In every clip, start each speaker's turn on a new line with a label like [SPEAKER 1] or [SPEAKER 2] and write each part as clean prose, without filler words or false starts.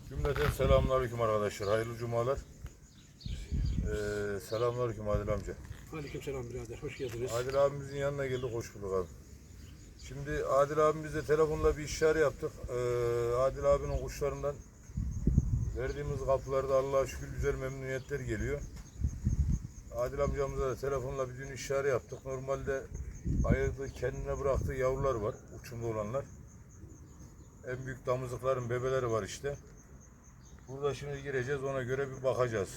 [SPEAKER 1] Cümleten selamünaleyküm arkadaşlar. Hayırlı cumalar. Selamünaleyküm Adil amca.
[SPEAKER 2] Aleykümselam birader, hoş geldiniz.
[SPEAKER 1] Adil abimizin yanına geldik, hoş bulduk abi. Şimdi Adil abimizle telefonla bir işare yaptık. Adil abinin kuşlarından verdiğimiz kapılarda Allah'a şükür güzel memnuniyetler geliyor. Adil amcamıza da telefonla bir dün işare yaptık. Normalde ayırdığı, kendine bıraktığı yavrular var, uçumda olanlar. En büyük damızlıkların bebeleri var işte. Burada şimdi gireceğiz, ona göre bir bakacağız.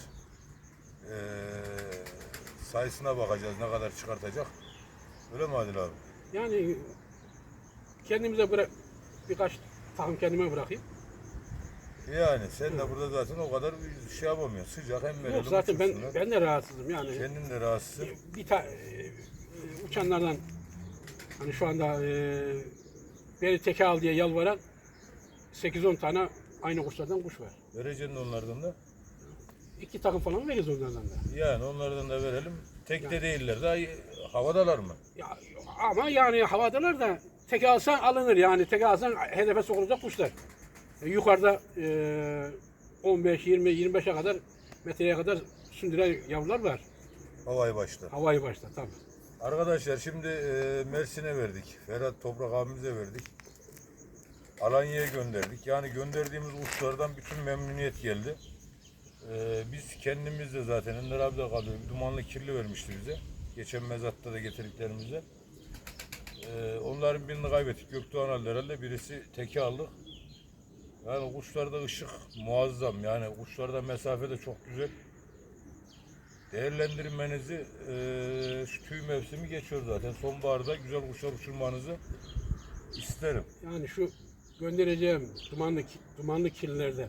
[SPEAKER 1] Sayısına bakacağız, ne kadar çıkartacak. Öyle mi Adil abi?
[SPEAKER 2] Yani kendimize birkaç takım kendime bırakayım.
[SPEAKER 1] Yani sen de burada zaten o kadar bir şey yapamıyorsun. Sıcak hem verelim.
[SPEAKER 2] Yok zaten
[SPEAKER 1] uçursunlar.
[SPEAKER 2] ben de rahatsızım yani.
[SPEAKER 1] Kendin de rahatsızsın.
[SPEAKER 2] Uçanlardan hani şu anda beni teke al diye yalvaran 8-10 tane aynı kuşlardan kuş var.
[SPEAKER 1] Vereceksin onlardan da.
[SPEAKER 2] 2 takım falan veririz onlardan da.
[SPEAKER 1] Yani onlardan da verelim. Tek de
[SPEAKER 2] Yani.
[SPEAKER 1] değiller. Daha havadalar mı?
[SPEAKER 2] Ya, ama yani havadalar da teke alsan alınır yani. Teke alsan hedefe sokulacak kuşlar. Yukarıda 15, 20, 25'e kadar metreye kadar sündüren yavrular var.
[SPEAKER 1] Havayı başta.
[SPEAKER 2] Havayı başta tabii.
[SPEAKER 1] Arkadaşlar şimdi Mersin'e verdik. Ferhat Toprak abimize verdik. Alanya'ya gönderdik. Yani gönderdiğimiz uçlardan bütün memnuniyet geldi. Biz kendimiz de zaten Ender abi de kalıyor. Bir dumanlı kirli vermişti bize. Geçen mezatta da getirdiklerimizde. Onların birini kaybettik. Gökdoğan aldı herhalde. Birisi teke aldık. Yani kuşlarda ışık muazzam. Yani kuşlarda mesafe de çok güzel. Değerlendirmenizi şu tüy mevsimi geçiyor zaten. Sonbaharda güzel kuşlar uçurmanızı isterim.
[SPEAKER 2] Yani şu göndereceğim dumanlı kirlilerden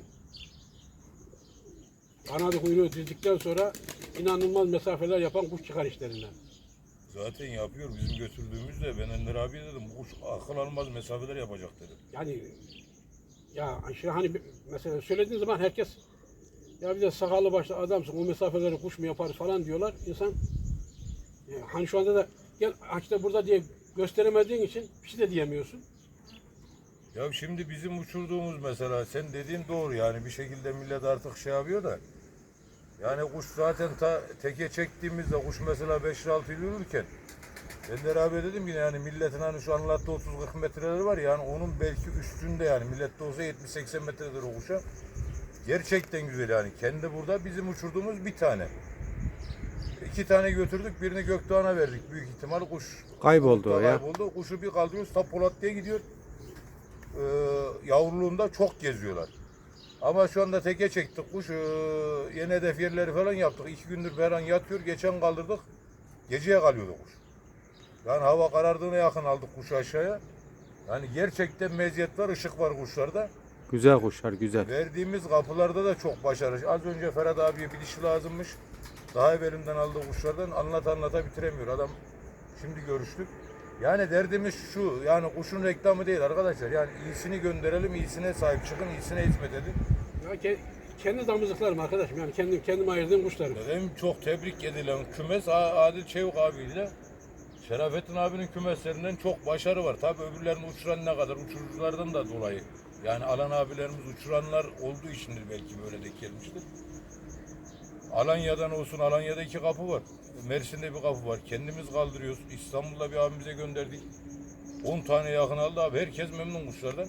[SPEAKER 2] kanadı kuyruğu dizdikten sonra inanılmaz mesafeler yapan kuş çıkar işlerinden.
[SPEAKER 1] Zaten yapıyor. Bizim götürdüğümüzde ben Ender abiye dedim bu kuş akıl almaz mesafeler yapacak dedim.
[SPEAKER 2] Yani ya işte hani mesela söylediğin zaman herkes ya bir de sakallı başlı adamsın o mesafeleri kuş mu yapar falan diyorlar. İnsan hani şu anda da gel işte burada diye gösteremediğin için bir şey de diyemiyorsun.
[SPEAKER 1] Ya şimdi bizim uçurduğumuz mesela sen dediğin doğru yani bir şekilde millet artık şey yapıyor da yani kuş zaten teke çektiğimizde kuş mesela 5-6 yıl yürürken Ender abi dedim ki yani milletin hani şu anlattığı 30-40 metreleri var yani onun belki üstünde yani millette olsa 70-80 metredir o kuşa. Gerçekten güzel yani. Kendi burada bizim uçurduğumuz bir tane. 2 tane götürdük. Birini Gökdoğan'a verdik. Büyük ihtimal kuş
[SPEAKER 3] Kayboldu o ya.
[SPEAKER 1] kayboldu. Kuşu bir kaldırıyoruz. Ta Polat diye gidiyor. Yavruluğunda çok geziyorlar. Ama şu anda teke çektik kuş. Yeni hedef yerleri falan yaptık. 2 gündür falan yatıyor. Geçen kaldırdık. Geceye kalıyordu kuş. Yani hava karardığına yakın aldık kuşu aşağıya. Yani gerçekten meziyet var, ışık var kuşlarda.
[SPEAKER 3] Güzel kuşlar, güzel.
[SPEAKER 1] Verdiğimiz kapılarda da çok başarılı. Az önce Ferhat abiye bir dişi lazımmış. Daha evvelinden aldığı kuşlardan anlata bitiremiyor. Adam şimdi görüştük. Yani derdimiz şu, yani kuşun reklamı değil arkadaşlar. Yani iyisini gönderelim, iyisine sahip çıkın, iyisine hizmet edin.
[SPEAKER 2] Ya kendi damızlıklarım arkadaşım yani kendim ayırdığım kuşlarım.
[SPEAKER 1] En çok tebrik edilen kümes Adil Çevik abiyle Şerafettin abinin kümeslerinden çok başarı var. Tabii öbürlerini uçuran ne kadar uçuruculardan da dolayı. Yani alan abilerimiz uçuranlar olduğu içindir belki böyle denk gelmiştir. Alanya'dan olsun, Alanya'da 2 kapı var. Mersin'de bir kapı var. Kendimiz kaldırıyoruz. İstanbul'da bir abimize gönderdik. 10 tane yakın aldı abi. Herkes memnun kuşlardan.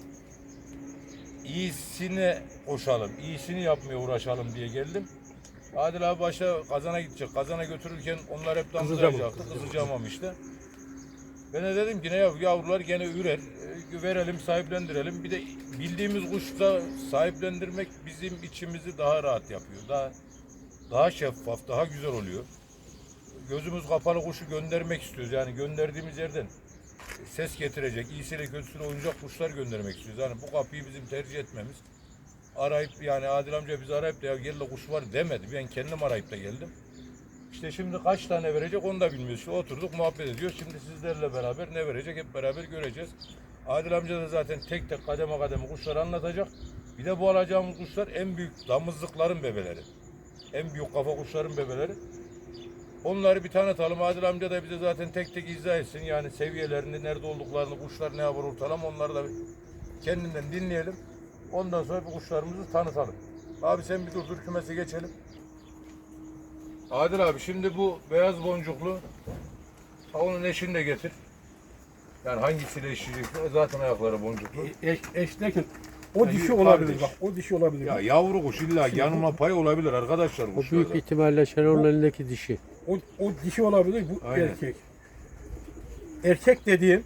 [SPEAKER 1] İyisine koşalım, iyisini yapmaya uğraşalım diye geldim. Adil abi başta Kazan'a gidecek. Kazan'a götürürken onlar hep damızlayacaktı. Kızılcamam işte. Ben de dedim ki ne yavrular gene ürer. Verelim, sahiplendirelim. Bir de bildiğimiz kuşla sahiplendirmek bizim içimizi daha rahat yapıyor. Daha şeffaf, daha güzel oluyor. Gözümüz kapalı kuşu göndermek istiyoruz. Yani gönderdiğimiz yerden ses getirecek, iyisiyle kötüsüyle oynayacak kuşlar göndermek istiyoruz. Yani bu kapıyı bizim tercih etmemiz. Arayıp yani Adil amca bizi arayıp da ya gel de kuş var demedi. Ben kendim arayıp da geldim. İşte şimdi kaç tane verecek onu da bilmiyoruz. İşte oturduk muhabbet ediyoruz. Şimdi sizlerle beraber ne verecek hep beraber göreceğiz. Adil amca da zaten tek tek kademe kademe kuşları anlatacak. Bir de bu alacağımız kuşlar en büyük damızlıkların bebeleri. En büyük kafa kuşların bebeleri. Onları bir tanıtalım. Adil amca da bize zaten tek tek izah etsin. Yani seviyelerini, nerede olduklarını, kuşlar ne yapar ortalama onları da kendinden dinleyelim. Ondan sonra bu kuşlarımızı tanıtalım. Abi sen bir dur kümese geçelim. Adil abi şimdi bu beyaz boncuklu, onun eşini de getir. Yani hangisiyle eşleyeceksin? Zaten ayakları boncuklu.
[SPEAKER 2] Eş derken o
[SPEAKER 1] Ya,
[SPEAKER 2] dişi olabilir
[SPEAKER 1] kardeş.
[SPEAKER 2] bak. O dişi olabilir.
[SPEAKER 1] Ya yavru kuş illa yanılma payı olabilir arkadaşlar
[SPEAKER 3] O
[SPEAKER 1] kuşlarda.
[SPEAKER 3] büyük ihtimalle Şenol'un elindeki dişi.
[SPEAKER 2] O dişi olabilir, bu
[SPEAKER 1] Aynen.
[SPEAKER 2] erkek. Erkek dediğim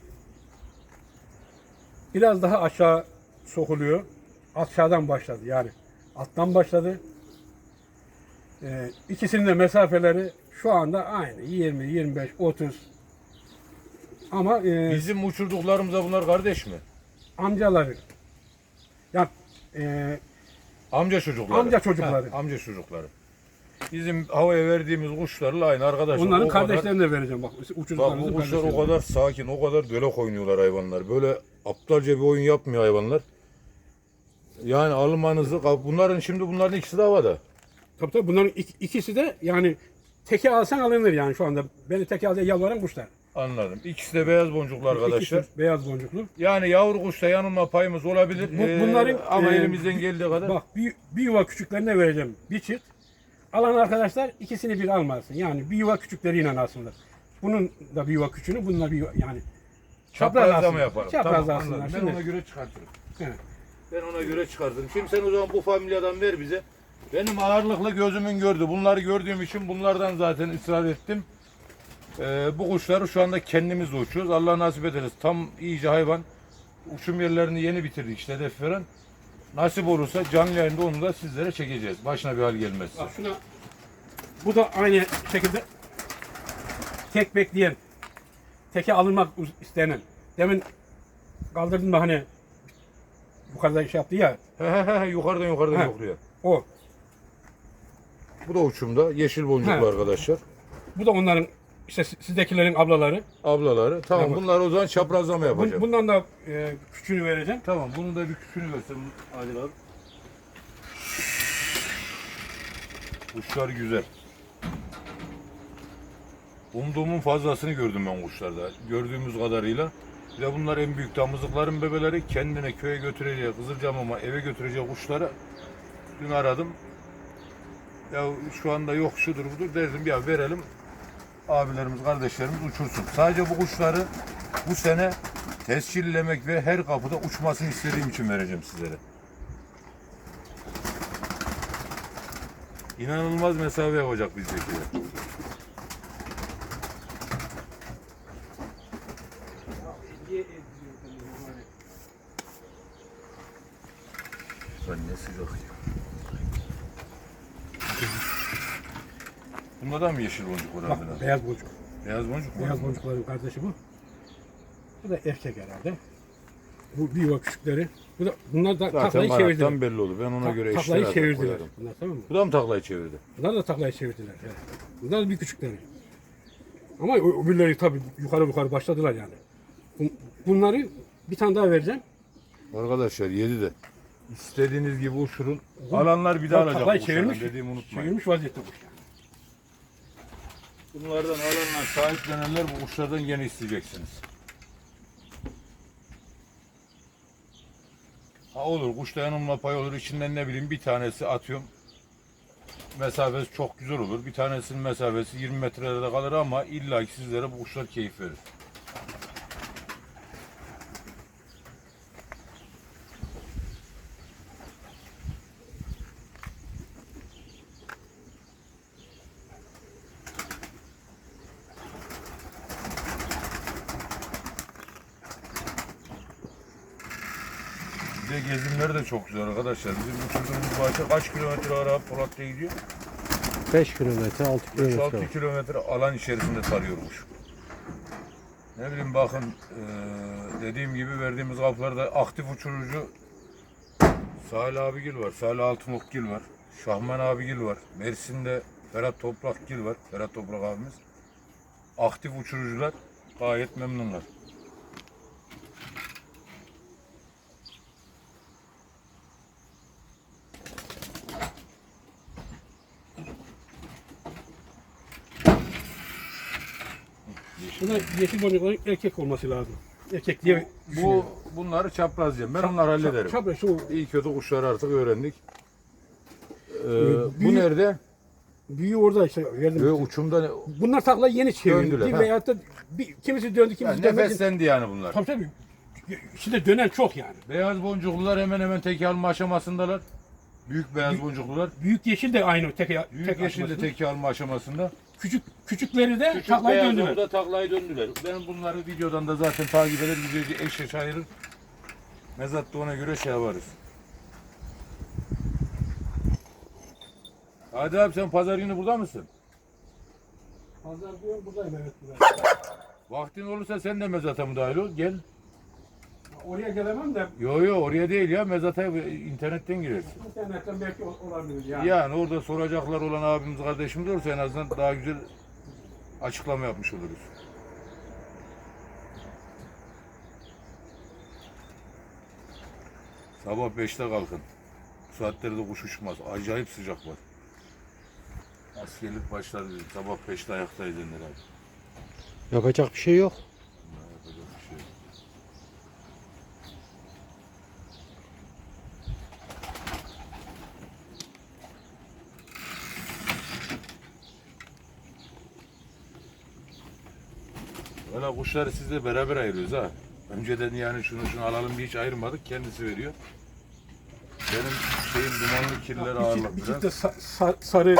[SPEAKER 2] biraz daha aşağı sokuluyor. Aşağıdan başladı yani. Alttan başladı. İkisinin de mesafeleri şu anda aynı. 20, 25, 30. Ama
[SPEAKER 1] Bizim uçurduklarımıza bunlar kardeş mi?
[SPEAKER 2] amcaları. Ya
[SPEAKER 1] Amca çocukları.
[SPEAKER 2] Amca çocukları.
[SPEAKER 1] Amca çocukları. Bizim havaya verdiğimiz kuşlarla aynı arkadaşlar.
[SPEAKER 2] onların
[SPEAKER 1] O kadar-
[SPEAKER 2] kardeşlerini de vereceğim bak.
[SPEAKER 1] Bak
[SPEAKER 2] Uçurduklarımızın
[SPEAKER 1] bu kuşlar o
[SPEAKER 2] kardeşlerini.
[SPEAKER 1] kadar sakin, o kadar dölek oynuyorlar hayvanlar. Böyle aptalca bir oyun yapmıyor hayvanlar. Yani almanızı, bunların ikisi de havada.
[SPEAKER 2] Tabii bunların ikisi de yani teke alsan alınır yani şu anda. Beni teke al diye yalvaran kuşlar.
[SPEAKER 1] Anladım. İkisi de beyaz boncuklu arkadaşlar.
[SPEAKER 2] İkisi beyaz boncuklu.
[SPEAKER 1] Yani yavru kuşta yanılma payımız olabilir.
[SPEAKER 2] Bunların
[SPEAKER 1] ama elimizden geldiği kadar.
[SPEAKER 2] Bak bir yuva küçüklerine vereceğim bir çift. Alan arkadaşlar ikisini bir almasın. Yani bir yuva küçükleriyle alsınlar. Bunun da bir yuva küçüğünü, bununla bir yuva, yani
[SPEAKER 1] Çaprazlama yaparım.
[SPEAKER 2] Çaprazlasınlar.
[SPEAKER 1] Tamam, anladım. Ben
[SPEAKER 2] Şimdi,
[SPEAKER 1] ona göre çıkartırım.
[SPEAKER 2] evet.
[SPEAKER 1] Ben ona göre çıkartırım. Şimdi sen o zaman bu familyadan ver bize. Benim ağırlıklı gözümün gördü. Bunları gördüğüm için bunlardan zaten ısrar ettim. Bu kuşları şu anda kendimiz de uçuyoruz. Allah nasip ederiz. Tam iyice hayvan. Uçum yerlerini yeni bitirdik işte hedef veren. Nasip olursa canlı yayında onu da sizlere çekeceğiz. Başına bir hal gelmezse.
[SPEAKER 2] Bak şuna, bu da aynı şekilde tek bekleyen, teke alınmak istenen. Demin kaldırdım da hani bu kadar şey yaptı ya,
[SPEAKER 1] Yukarıdan
[SPEAKER 2] He.
[SPEAKER 1] yokluyor.
[SPEAKER 2] o.
[SPEAKER 1] Bu da uçumda. Yeşil boncuklu
[SPEAKER 2] He.
[SPEAKER 1] arkadaşlar.
[SPEAKER 2] Bu da onların işte sizdekilerin ablaları.
[SPEAKER 1] Ablaları. Tamam,
[SPEAKER 2] Tamam.
[SPEAKER 1] bunlar o zaman çaprazlama yapacağım.
[SPEAKER 2] Bundan da küçüğünü vereceğim.
[SPEAKER 1] Tamam, bunu da bir küçüğünü göstereyim Adil abi. Kuşlar güzel. Umduğumun fazlasını gördüm ben kuşlarda. Gördüğümüz kadarıyla. Bir de bunlar en büyük damızlıkların bebeleri. Kendine köye götüreceği, Kızılcamam'a eve götüreceği kuşları dün aradım. Ya şu anda yok şudur budur derdim, ya verelim. Abilerimiz, kardeşlerimiz uçursun. Sadece bu kuşları bu sene tescillemek ve her kapıda uçmasını istediğim için vereceğim sizlere. İnanılmaz mesafe yapacak bizdekiler. Lan ne sıcak ya. Bunda da mı yeşil boncuk var abi?
[SPEAKER 2] Bak beyaz boncuk.
[SPEAKER 1] Beyaz boncuk mu?
[SPEAKER 2] Beyaz boncukların kardeşi bu. Bu da erkek herhalde. Bu bir yuva küçükleri. Bunlar da
[SPEAKER 1] Zaten
[SPEAKER 2] taklayı
[SPEAKER 1] kanattan
[SPEAKER 2] çevirdiler.
[SPEAKER 1] belli olur. Ben ona göre
[SPEAKER 2] Taklayı
[SPEAKER 1] eşler
[SPEAKER 2] çevirdiler.
[SPEAKER 1] koyarım.
[SPEAKER 2] Bunlar tamam mı?
[SPEAKER 1] Bu da mı taklayı çevirdi?
[SPEAKER 2] Bunlar da taklayı çevirdiler. Evet. Bunlar da bir küçükleri. Ama öbürleri tabii yukarı başladılar yani. Bunları bir tane daha vereceğim.
[SPEAKER 1] Arkadaşlar 7 de. İstediğiniz gibi uçurun. Alanlar bir daha alacak
[SPEAKER 2] Taklayı
[SPEAKER 1] bu kuşlardan,
[SPEAKER 2] çevirmiş,
[SPEAKER 1] dediğimi unutmayın.
[SPEAKER 2] çevirmiş vaziyette kuş.
[SPEAKER 1] Bunlardan alanlar, sahiplenenler bu kuşlardan yine isteyeceksiniz. Ha olur, kuşta yanılma payı olur. İçinden ne bileyim bir tanesi atıyorum. Mesafesi çok güzel olur. Bir tanesinin mesafesi 20 metrelerde kalır ama illa ki sizlere bu kuşlar keyif verir. Bir de gezimleri de çok güzel arkadaşlar. Bizim uçurduğumuz bahçe kaç kilometre ara Polat'ta gidiyor?
[SPEAKER 3] 5 kilometre, 6 kilometre
[SPEAKER 1] 6
[SPEAKER 3] var.
[SPEAKER 1] kilometre alan içerisinde tarıyormuş. Ne bileyim bakın dediğim gibi verdiğimiz kapılarda aktif uçurucu Salih abigil var, Salih Altınokgil var, Şahman abigil var, Mersin'de Ferhat Toprakgil var, Ferhat Toprak abimiz. Aktif uçurucular gayet memnunlar.
[SPEAKER 2] Buna yeşil boncukların erkek olması lazım. Erkek diye
[SPEAKER 1] Bu bunları çaprazlayacağım. Ben onları hallederim.
[SPEAKER 2] Çapraz şu
[SPEAKER 1] İyi kötü kuşları artık öğrendik. Bu
[SPEAKER 2] büyük-
[SPEAKER 1] nerede?
[SPEAKER 2] büyüğü orada işte verdim.
[SPEAKER 1] Uçumda
[SPEAKER 2] Bunlar takla yeni çevirdi.
[SPEAKER 1] Döndüler, ha.
[SPEAKER 2] Veyahut da kimisi döndü, kimisi dönmedi.
[SPEAKER 1] nefeslendi yani bunlar.
[SPEAKER 2] Tabii tabii. Şimdi dönen çok yani.
[SPEAKER 1] Beyaz boncuklular hemen hemen teke alma aşamasındalar. Büyük beyaz boncuklular.
[SPEAKER 2] Büyük yeşil de aynı tek
[SPEAKER 1] Büyük
[SPEAKER 2] tek
[SPEAKER 1] yeşil de
[SPEAKER 2] aşamasında.
[SPEAKER 1] teke alma aşamasında.
[SPEAKER 2] Küçükleri de
[SPEAKER 1] Küçük
[SPEAKER 2] taklayı
[SPEAKER 1] beyaz
[SPEAKER 2] döndüler.
[SPEAKER 1] da taklayı döndüler. Ben bunları videodan da zaten takip eder, güzelce eş eş ayırır. Mezatta ona göre şey yaparız. Hadi abi sen pazar günü burada mısın?
[SPEAKER 2] Pazar diyor buradayım, evet buradayım.
[SPEAKER 1] Vaktin olursa sen de mezata müdahil ol. Gel.
[SPEAKER 2] Oraya gelemem de
[SPEAKER 1] Yo oraya değil ya, mezata internetten girersin.
[SPEAKER 2] internetten belki olabilir yani.
[SPEAKER 1] Yani orada soracaklar olan abimiz kardeşimiz olursa en azından daha güzel açıklama yapmış oluruz. Sabah 5'te kalkın. Bu saatlerde kuş uçmaz. Acayip sıcak var. Askerlik başladı dedim. Sabah 5'te ayaktayız herhalde.
[SPEAKER 3] Yapacak bir şey yok.
[SPEAKER 1] Yapacak bir şey yok. Valla kuşları sizle beraber ayırıyoruz ha. Önceden yani şunu alalım diye hiç ayırmadık. Kendisi veriyor. Benim şeyim dumanlı kirler ağırlık
[SPEAKER 2] Bir
[SPEAKER 1] biraz.
[SPEAKER 2] çift de sarı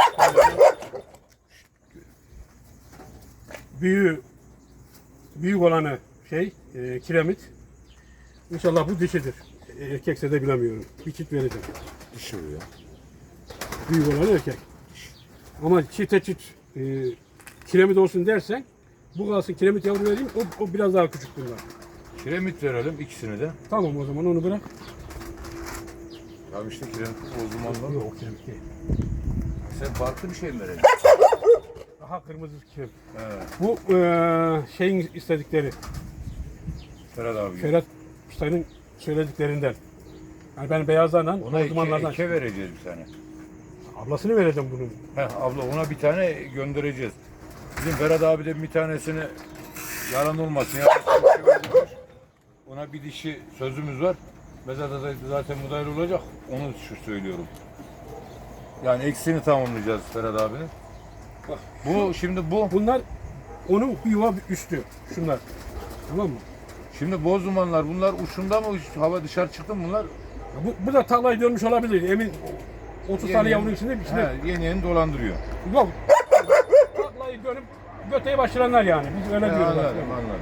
[SPEAKER 2] büyük olanı kiremit. İnşallah bu dişidir. Erkekse de bilemiyorum. Bir çift vereceğim.
[SPEAKER 1] Dişi bu ya.
[SPEAKER 2] Büyük olan erkek. Ama çifte çift kiremit olsun dersen bu kalsın kiremit yavru vereyim, o biraz daha küçük bunlar.
[SPEAKER 1] Kiremit verelim ikisini de.
[SPEAKER 2] Tamam, o zaman onu bırak.
[SPEAKER 1] Tamam işte kiremit o zaman da.
[SPEAKER 2] Yok, kiremit değil.
[SPEAKER 1] Sen farklı bir şey mi vereceksin?
[SPEAKER 2] Daha kırmızı kiremit.
[SPEAKER 1] He.
[SPEAKER 2] Bu şeyin istedikleri,
[SPEAKER 1] Ferhat abi.
[SPEAKER 2] Ferhat Usta'nın söylediklerinden. Yani ben beyazlarla,
[SPEAKER 1] Ona
[SPEAKER 2] dumanlardan.
[SPEAKER 1] eke vereceğiz bir tane.
[SPEAKER 2] Ablasını vereceğim bunun.
[SPEAKER 1] Abla ona bir tane göndereceğiz. Bizim Ferhat abiden bir tanesini yalan olmasın. Ona bir dişi sözümüz var. Mezarda da zaten müdahil olacak. Onu şu söylüyorum. Yani eksiğini tamamlayacağız Ferhat abinin.
[SPEAKER 2] Bak,
[SPEAKER 1] Şimdi bu.
[SPEAKER 2] Bunlar onun bir yuva üstü. Şunlar. Tamam mı?
[SPEAKER 1] Şimdi boz dumanlar bunlar uçunda mı? Hava dışarı çıktı mı bunlar?
[SPEAKER 2] Bu da tarlayı dönmüş olabilir. Emin 30 tane yavrunun içinde.
[SPEAKER 1] Yeni dolandırıyor.
[SPEAKER 2] Yok. Tarlayı dönüp göteyi başlayanlar yani. Biz öyle diyoruz.
[SPEAKER 1] Anladım anladım.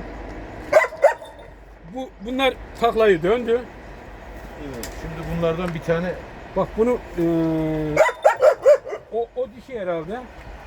[SPEAKER 2] Bunlar taklayı döndü.
[SPEAKER 1] Evet, şimdi bunlardan bir tane
[SPEAKER 2] Bak bunu o dişi herhalde.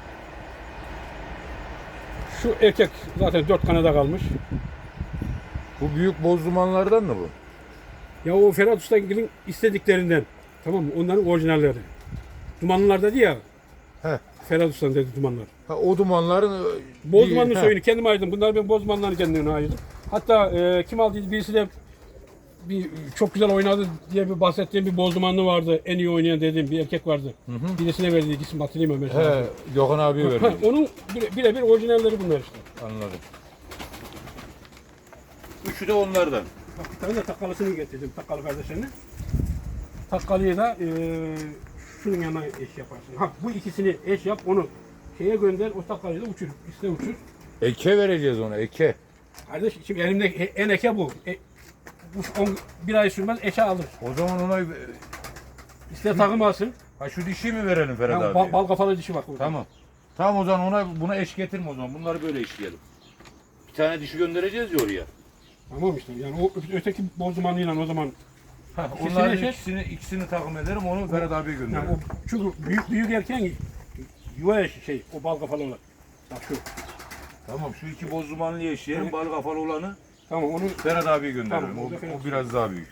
[SPEAKER 2] Şu erkek zaten 4 kanada kalmış.
[SPEAKER 1] bu büyük boz dumanlardan mı bu?
[SPEAKER 2] Ya o Ferhat Usta'nın istediklerinden. Tamam mı? Onların orijinalleri. Dumanlılar dedi ya.
[SPEAKER 1] He.
[SPEAKER 2] Ferhat Usta'nın dedi dumanlar.
[SPEAKER 1] Ha, o dumanların
[SPEAKER 2] Bozmanlı
[SPEAKER 1] He.
[SPEAKER 2] soyunu kendim ayırdım. Bunlar ben Bozmanlı'nın kendine ayırdım. Hatta kim aldıydı birisi de çok güzel oynadı diye bir bahsettiğim bir Bozmanlı vardı. En iyi oynayan dediğim bir erkek vardı. Birisine verdi, isim hatırlayayım mesela.
[SPEAKER 1] He, Gökhan abiye verdi.
[SPEAKER 2] Onun birebir orijinalleri bunlar işte.
[SPEAKER 1] Anladım. Üçü de onlardan.
[SPEAKER 2] Bak bir tane de takkalısını getirdim, takkalı kardeşlerini. Takkalıyı da şunun yanına eş yaparsın. Ha, bu ikisini eş yap, onu şeye gönder, o takkalıyı da uçur. İste uçur.
[SPEAKER 1] Eke vereceğiz ona, eke.
[SPEAKER 2] Kardeş, şimdi elimde en eke bu. Bir ay sürmez eşe alır.
[SPEAKER 1] O zaman ona
[SPEAKER 2] İste takım alsın.
[SPEAKER 1] ha şu dişi mi verelim Ferhat
[SPEAKER 2] Ya,
[SPEAKER 1] abi?
[SPEAKER 2] bal kafalı dişi bak.
[SPEAKER 1] Tamam. Tamam o zaman buna eş getirme o zaman. Bunları böyle eşleyelim. Bir tane dişi göndereceğiz ya oraya.
[SPEAKER 2] Tamam işte. Yani o öteki bozdumanlıyla o zaman.
[SPEAKER 1] Onların
[SPEAKER 2] İkisini
[SPEAKER 1] ikisini takım ederim onu Ferhat abiye
[SPEAKER 2] yani
[SPEAKER 1] gönderirim.
[SPEAKER 2] çünkü büyük erken yuva eşi o bal kafalı olan. Bak şu.
[SPEAKER 1] Tamam şu iki boz dumanlı eşleyelim. Bal kafalı olanı
[SPEAKER 2] Tamam onu
[SPEAKER 1] Ferhat abiye gönderirim.
[SPEAKER 2] Tamam, o da Ferhat.
[SPEAKER 1] O biraz daha büyük.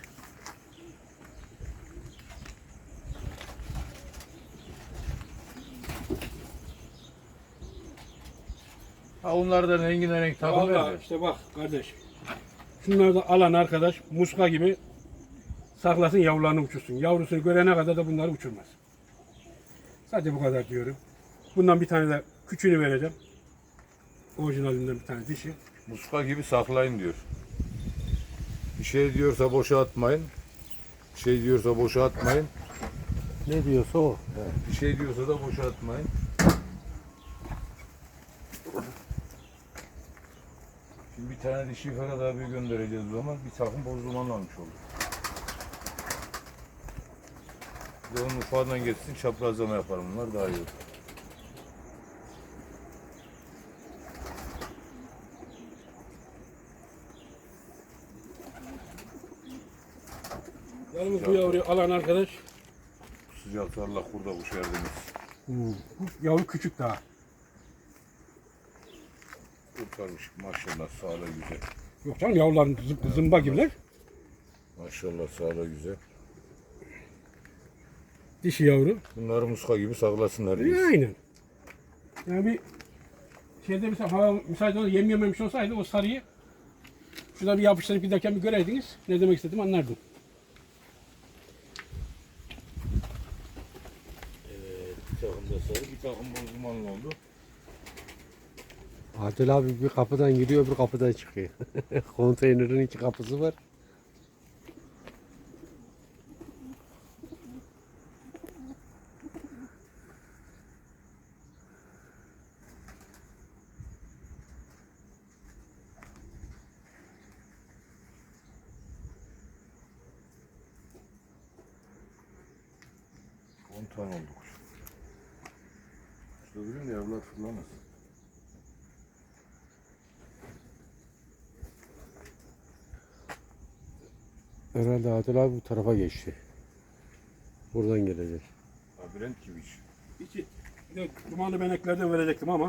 [SPEAKER 1] Ha onlardan renk takım
[SPEAKER 2] Vallahi
[SPEAKER 1] verdi.
[SPEAKER 2] işte bak kardeş. Şunları da alan arkadaş muska gibi saklasın yavrularını uçursun. Yavrusunu görene kadar da bunları uçurmaz. Sadece bu kadar diyorum. Bundan bir tane de küçüğünü vereceğim. Orijinalinden bir tane dişi.
[SPEAKER 1] Muska gibi saklayın diyor. şey diyorsa boşa atmayın. Bir şey diyorsa boşa atmayın.
[SPEAKER 3] Ne diyorsa o.
[SPEAKER 1] Bir şey diyorsa da boşa atmayın. Şimdi bir tane dişi Ferhat abi göndereceğiz o zaman. Bir takım boz duman almış olduk. Bir de onun ufağından geçsin, çaprazlama yaparım. Bunlar daha iyi olur.
[SPEAKER 2] Yalnız bu yavruyu alan arkadaş,
[SPEAKER 1] Bu sıcakta Allah kurda kuş verdiniz.
[SPEAKER 2] bu yavru küçük daha.
[SPEAKER 1] Kurtarmış maşallah, sağlığı güzel.
[SPEAKER 2] Yok canım, yavruların zımba gibiler.
[SPEAKER 1] Maşallah, sağlığı güzel.
[SPEAKER 2] Dişi yavru.
[SPEAKER 1] Bunları muska gibi saklasınlar.
[SPEAKER 2] Aynen. Yani bir şeyde mesela hava müsait olsa yem yememiş olsaydı o sarıyı şurada bir yapıştırıp giderken bir göreydiniz. Ne demek istedim anlardım.
[SPEAKER 1] Evet, bir takım da sarı, bir takım boz dumanlı oldu.
[SPEAKER 3] Adil abi bir kapıdan giriyor, bir kapıdan çıkıyor. Konteynerin iki kapısı var.
[SPEAKER 1] Tane oldu kuş. İşte öbürün de yavrular fırlamasın.
[SPEAKER 3] Herhalde Adil abi bu tarafa geçti. Buradan gelecek.
[SPEAKER 1] Labirent gibi iş.
[SPEAKER 2] İçi bir de dumanlı beneklerden verecektim ama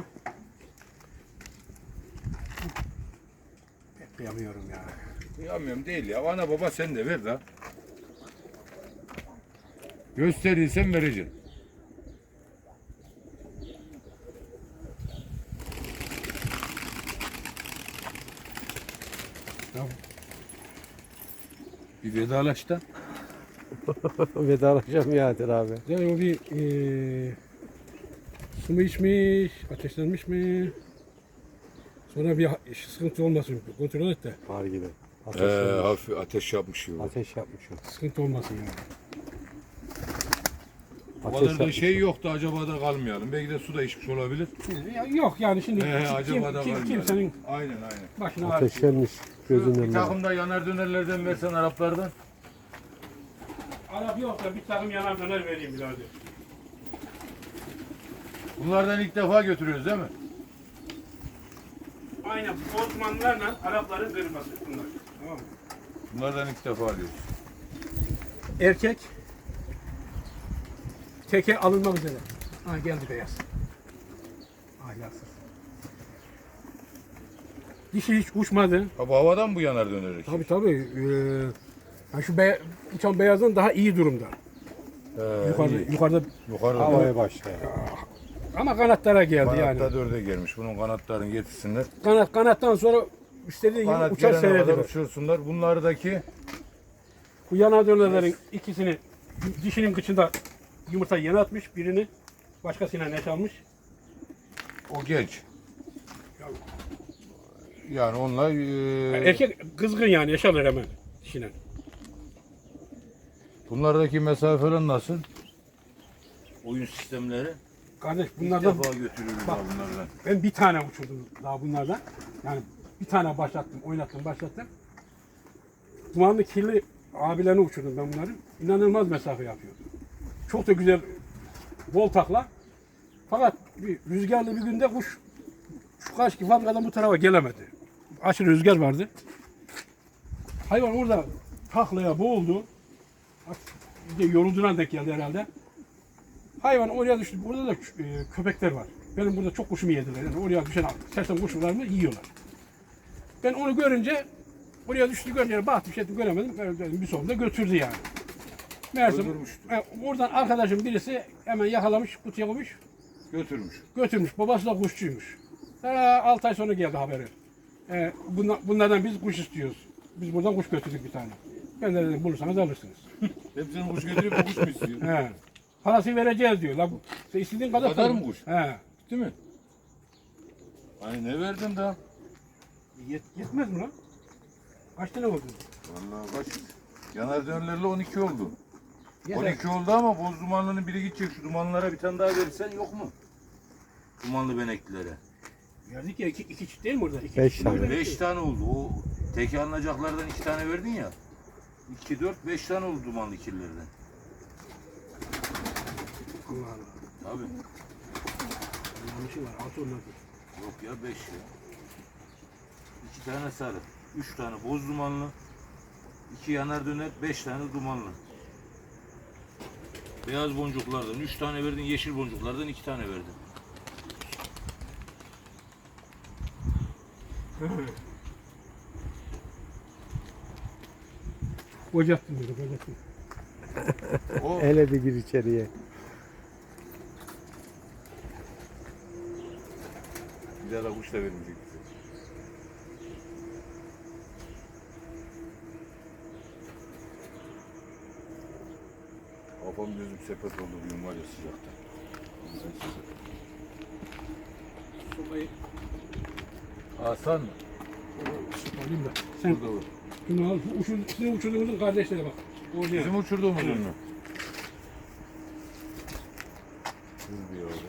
[SPEAKER 2] pek kıyamıyorum ya.
[SPEAKER 1] Kıyamıyorum değil ya. Ana baba sen de ver de. Gösterirsen vereceğim.
[SPEAKER 2] Ya,
[SPEAKER 1] Bir vedalaş da.
[SPEAKER 3] Vedalaşacağım ya Adil abi.
[SPEAKER 2] yani o bir su mu içmiş, ateşlenmiş mi? Sonra bir sıkıntı olmasın, kontrol et de
[SPEAKER 3] Var gibi.
[SPEAKER 1] Hafif ateş yapmış gibi.
[SPEAKER 3] Ateş yapmış o.
[SPEAKER 2] sıkıntı olmasın yani.
[SPEAKER 1] O
[SPEAKER 3] Ateş
[SPEAKER 1] kadar da
[SPEAKER 3] yapmış
[SPEAKER 1] şey yoktu, acaba da kalmayalım. Belki de su da içmiş olabilir.
[SPEAKER 2] Ya, yok yani şimdi
[SPEAKER 1] Acaba da kalmayalım.
[SPEAKER 2] kimsenin
[SPEAKER 1] Aynen.
[SPEAKER 2] başına ağrı.
[SPEAKER 3] Ateşlenmiş gözünün
[SPEAKER 1] Bir
[SPEAKER 3] önünde.
[SPEAKER 1] takım da yanar dönerlerden versen Araplardan.
[SPEAKER 2] Arap yok da bir takım yanar döner vereyim birader.
[SPEAKER 1] Bunlardan ilk defa götürüyoruz değil mi?
[SPEAKER 2] Aynen Osmanlılarla Arapların kırması bunlar. Tamam mı?
[SPEAKER 1] Bunlardan ilk defa alıyoruz.
[SPEAKER 2] Erkek teke alınmak üzere. Ha geldi beyaz. Ahlaksız. Dişi hiç uçmadı.
[SPEAKER 1] Ha, bu havadan bu yanar dönerek.
[SPEAKER 2] Tabii. Ha şu uçan beyazdan daha iyi durumda. Yukarıda
[SPEAKER 1] Yukarıda
[SPEAKER 3] Havaya başlıyor.
[SPEAKER 2] ama kanatlara geldi
[SPEAKER 1] kanatta
[SPEAKER 2] yani.
[SPEAKER 1] dörde gelmiş. Bunun kanatlarını getirsinler.
[SPEAKER 2] Kanattan sonra istediği gibi
[SPEAKER 1] Kanat
[SPEAKER 2] uçar
[SPEAKER 1] gelene kadar
[SPEAKER 2] seyredilir.
[SPEAKER 1] uçursunlar. Bunlardaki
[SPEAKER 2] Bu yanar dönerlerin ikisini dişinin kıçında yumurta yeni atmış, birini başkasına net almış.
[SPEAKER 1] o genç. Yani onlar
[SPEAKER 2] Erkek kızgın yani yaşarlar hemen dişine.
[SPEAKER 1] bunlardaki mesafeler nasıl? Oyun sistemleri.
[SPEAKER 2] Kardeş
[SPEAKER 1] İlk
[SPEAKER 2] bunlardan
[SPEAKER 1] defa götürüyoruz
[SPEAKER 2] Bak.
[SPEAKER 1] ha bunlardan.
[SPEAKER 2] ben bir tane uçurdum daha bunlardan. Yani bir tane başlattım. Dumanlı kirli abilerini uçurdum ben bunları. İnanılmaz mesafe yapıyor. Çok da güzel bol takla. Fakat bir rüzgarlı bir günde kuş şu karşı Vangadan bu tarafa gelemedi. Aşırı rüzgar vardı. Hayvan orada taklaya boğuldu. Bir de yorulduğuna denk geldi herhalde. Hayvan oraya düştü. Orada da köpekler var. Benim burada çok kuşumu yediler. Yani oraya düşen sersem kuşlarımı yiyorlar. Ben onu görünce oraya düştü görünce baktım şey göremedim. Ben bir sonunda götürdü yani. Meğerse
[SPEAKER 1] Öldürmüştü.
[SPEAKER 2] oradan arkadaşım birisi hemen yakalamış, kutuya koymuş,
[SPEAKER 1] Götürmüş.
[SPEAKER 2] götürmüş. Babası da kuşçuymuş. 6 ay sonra geldi haberi. Bunlardan biz kuş istiyoruz. Biz buradan kuş götürdük bir tane. Ben de dedim bulursanız alırsınız.
[SPEAKER 1] Hepsini kuş götürüp bu kuş mu istiyor?
[SPEAKER 2] He. Parasını vereceğiz diyor. La, sen istediğin kadar.
[SPEAKER 1] kadar mı kuş?
[SPEAKER 2] He.
[SPEAKER 1] Değil mi? Hani ne verdin daha?
[SPEAKER 2] Yetmez mi lan? Kaç tane oldu?
[SPEAKER 1] Vallahi kaç? Yanar dönerlerle 12 oldu.
[SPEAKER 2] Yeter.
[SPEAKER 1] 12 oldu ama boz dumanlının biri gidecek. Şu dumanlara bir tane daha verirsen yok mu? Dumanlı beneklilere.
[SPEAKER 2] Verdik ya iki çift değil mi orada? İki
[SPEAKER 3] 5
[SPEAKER 2] çift
[SPEAKER 3] tane.
[SPEAKER 2] orada.
[SPEAKER 1] 5 tane oldu. O teki alınacaklardan 2 tane verdin ya. 2, 4, 5 tane oldu dumanlı kirlerden.
[SPEAKER 2] Allah Allah.
[SPEAKER 1] Tabii.
[SPEAKER 2] Yanlışı var. 6 onlar.
[SPEAKER 1] Yok ya 5 ya. 2 tane sarı. 3 tane boz dumanlı. 2 yanar döner. 5 tane dumanlı. Beyaz boncuklardan 3 tane verdin. Yeşil boncuklardan 2 tane verdin.
[SPEAKER 2] Kocattım dedi, kocattım.
[SPEAKER 1] O
[SPEAKER 3] Hele bir gir içeriye.
[SPEAKER 1] bir daha da kuş da vermeyecek bize. Kafam gözüm sepet oldu diyorum var ya sıcakta.
[SPEAKER 2] Sopayı
[SPEAKER 1] Hasan mı?
[SPEAKER 2] alayım da. Sen
[SPEAKER 1] Burada var.
[SPEAKER 2] şunu al. Sizin uçurduğunuzun kardeşleri bak. Orijinal.
[SPEAKER 1] Bizim uçurduğumuz ünlü. Dur bir yavrum.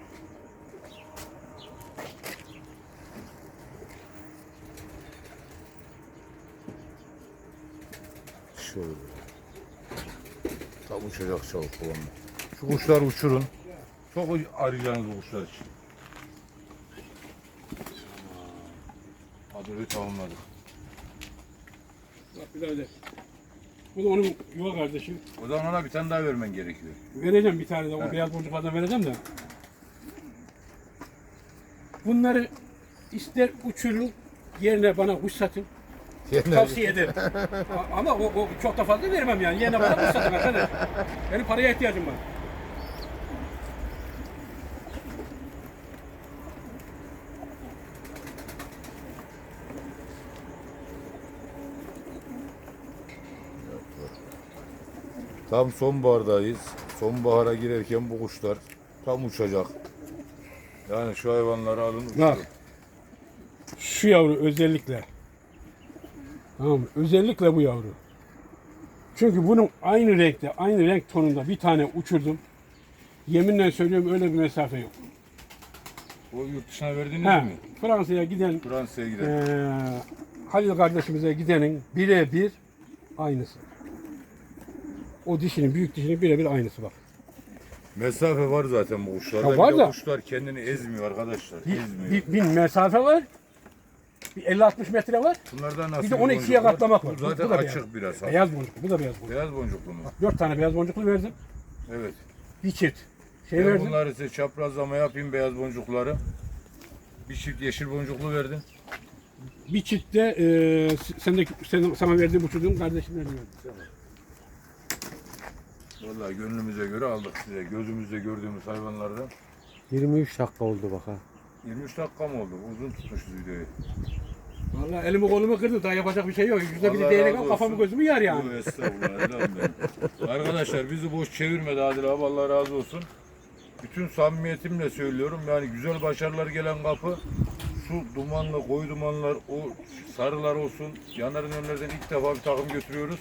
[SPEAKER 1] Şöyle. Tam uçacak çabuk bu onunla. Şu kuşlar uçurun. Çok arayacağınız bu kuşlar için. Hadi tamamladık.
[SPEAKER 2] Bak birader. Bu da onun yuva kardeşi.
[SPEAKER 1] O zaman ona bir tane daha vermen gerekiyor.
[SPEAKER 2] Vereceğim bir tane de o
[SPEAKER 1] Evet.
[SPEAKER 2] beyaz boncuklardan vereceğim de. Bunları ister uçurun yerine bana kuş satın. Tavsiye ederim. Ama o çok da fazla vermem yani. Yerine bana kuş satın arkadaş. Benim paraya ihtiyacım var.
[SPEAKER 1] Tam sonbahardayız. Sonbahara girerken bu kuşlar tam uçacak. Yani şu hayvanları alın uçurun.
[SPEAKER 2] Bak. Şu yavru özellikle. Tamam mı? Özellikle bu yavru. Çünkü bunun aynı renkte, aynı renk tonunda bir tane uçurdum. Yeminle söylüyorum öyle bir mesafe yok.
[SPEAKER 1] O yurt dışına verdiniz
[SPEAKER 2] He,
[SPEAKER 1] mi?
[SPEAKER 2] Fransa'ya giden
[SPEAKER 1] Fransa'ya gidelim.
[SPEAKER 2] Halil kardeşimize gidenin birebir aynısı. O dişinin, büyük dişinin birebir aynısı bak.
[SPEAKER 1] Mesafe var zaten bu kuşlarda.
[SPEAKER 2] Ya var
[SPEAKER 1] Bir de
[SPEAKER 2] da-
[SPEAKER 1] kuşlar kendini ezmiyor arkadaşlar. Ezmiyor.
[SPEAKER 2] Bir mesafe var. Bir 50-60 metre var.
[SPEAKER 1] Bunlardan nasıl
[SPEAKER 2] Bir de
[SPEAKER 1] bir
[SPEAKER 2] 12'ye
[SPEAKER 1] boncuk var?
[SPEAKER 2] katlamak var.
[SPEAKER 1] Bu zaten
[SPEAKER 2] Bu da
[SPEAKER 1] açık biraz.
[SPEAKER 2] Beyaz boncuklu, bu da beyaz boncuklu.
[SPEAKER 1] Beyaz boncuklu mu?
[SPEAKER 2] 4 tane beyaz boncuklu verdim.
[SPEAKER 1] Evet.
[SPEAKER 2] Bir çift şey
[SPEAKER 1] Ben
[SPEAKER 2] verdim.
[SPEAKER 1] bunları size çaprazlama yapayım beyaz boncukları. Bir çift yeşil boncuklu verdin.
[SPEAKER 2] Bir çift de sana verdiğim uçurduğum kardeşimle verdim.
[SPEAKER 1] Vallahi gönlümüze göre aldık size. Gözümüzde gördüğümüz hayvanlardan.
[SPEAKER 3] 23 dakika oldu bak ha.
[SPEAKER 1] 23 dakika mı oldu? Uzun tutmuşuz videoyu.
[SPEAKER 2] Vallahi elimi kolumu kırdı. Daha yapacak bir şey yok. Yüzde bir
[SPEAKER 1] Allah
[SPEAKER 2] değerek
[SPEAKER 1] razı
[SPEAKER 2] al kafamı
[SPEAKER 1] olsun.
[SPEAKER 2] gözümü yer yani.
[SPEAKER 1] Yok, estağfurullah. Elham benim. Arkadaşlar bizi boş çevirmedi Adil abi. Allah razı olsun. Bütün samimiyetimle söylüyorum. Yani güzel başarılar gelen kapı. Şu dumanlı, koyu dumanlar, o sarılar olsun. Yanarın önlerden ilk defa bir takım götürüyoruz.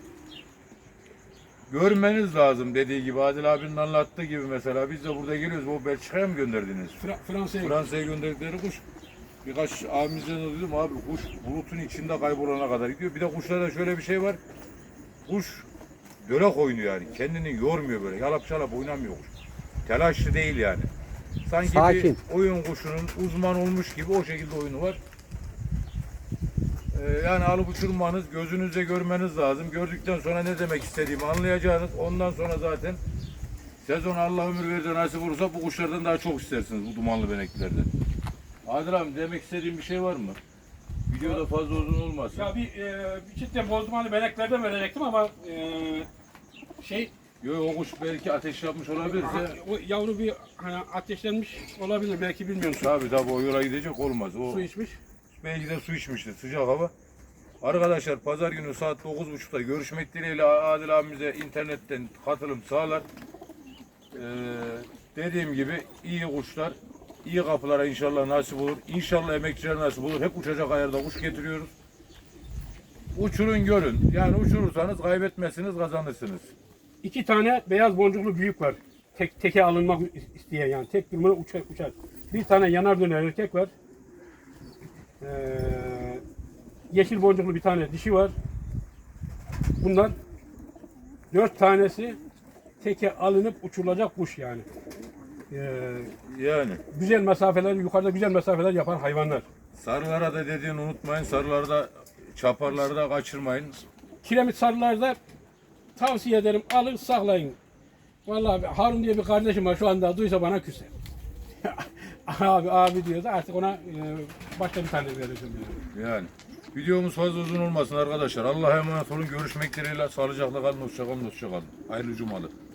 [SPEAKER 1] Görmeniz lazım dediği gibi. Adil abinin anlattığı gibi mesela. Biz de burada geliyoruz. O Belçika'ya mı gönderdiniz?
[SPEAKER 2] Fransa'ya
[SPEAKER 1] Fransa'ya gönderdikleri kuş. Birkaç abimizden de duydum abi kuş bulutun içinde kaybolana kadar gidiyor. Bir de kuşlarda şöyle bir şey var. Kuş dölek oynuyor yani. Kendini yormuyor böyle. Yalap şalap oynamıyor kuş. Telaşlı değil yani. Sanki
[SPEAKER 3] Sakin.
[SPEAKER 1] bir oyun kuşunun uzman olmuş gibi o şekilde oyunu var. Yani alıp uçurmanız, gözünüzle görmeniz lazım. Gördükten sonra ne demek istediğimi anlayacağınız. Ondan sonra zaten sezon Allah ömür verirse nasip olursa bu kuşlardan daha çok istersiniz bu dumanlı beneklilerden. Adil abi demek istediğin bir şey var mı? Videoda fazla uzun olmasın.
[SPEAKER 2] Ya bir çift de bozdumanlı beneklerden verecektim ama
[SPEAKER 1] Yok o kuş belki ateş yapmış olabilirse.
[SPEAKER 2] o yavru bir hani ateşlenmiş olabilir belki bilmiyorum.
[SPEAKER 1] Tabii o yola gidecek olmaz. O
[SPEAKER 2] Su içmiş.
[SPEAKER 1] belki de su içmiştir sıcak hava. Arkadaşlar pazar günü saat 9.30'da görüşmek dileğiyle Adil abimize internetten katılım sağlar. Dediğim gibi iyi kuşlar, iyi kapılara inşallah nasip olur. İnşallah emekçiler nasip olur. Hep uçacak ayarda kuş getiriyoruz. Uçurun görün. Yani uçurursanız kaybetmezsiniz, kazanırsınız.
[SPEAKER 2] 2 tane beyaz boncuklu büyük var. Teke alınmak isteyen yani. Tek durumda uçar. Bir tane yanar döner erkek var. Yeşil boncuklu bir tane dişi var. Bunlar 4 tanesi teke alınıp uçurulacak kuş yani.
[SPEAKER 1] Yani.
[SPEAKER 2] Güzel mesafeler, yukarıda güzel mesafeler yapan hayvanlar.
[SPEAKER 1] Sarılara da dediğini unutmayın. Sarılarda, çaparları da kaçırmayın.
[SPEAKER 2] Kiremit sarılarda tavsiye ederim alın saklayın. Vallahi Harun diye bir kardeşim var şu anda duysa bana küser. abi diyordu artık ona başka bir tane vereceğim
[SPEAKER 1] Yani. Videomuz fazla uzun olmasın arkadaşlar. Allah'a emanet olun. Görüşmek dileğiyle. Sağlıcakla kalın. Hoşça kalın. Hayırlı cumalar.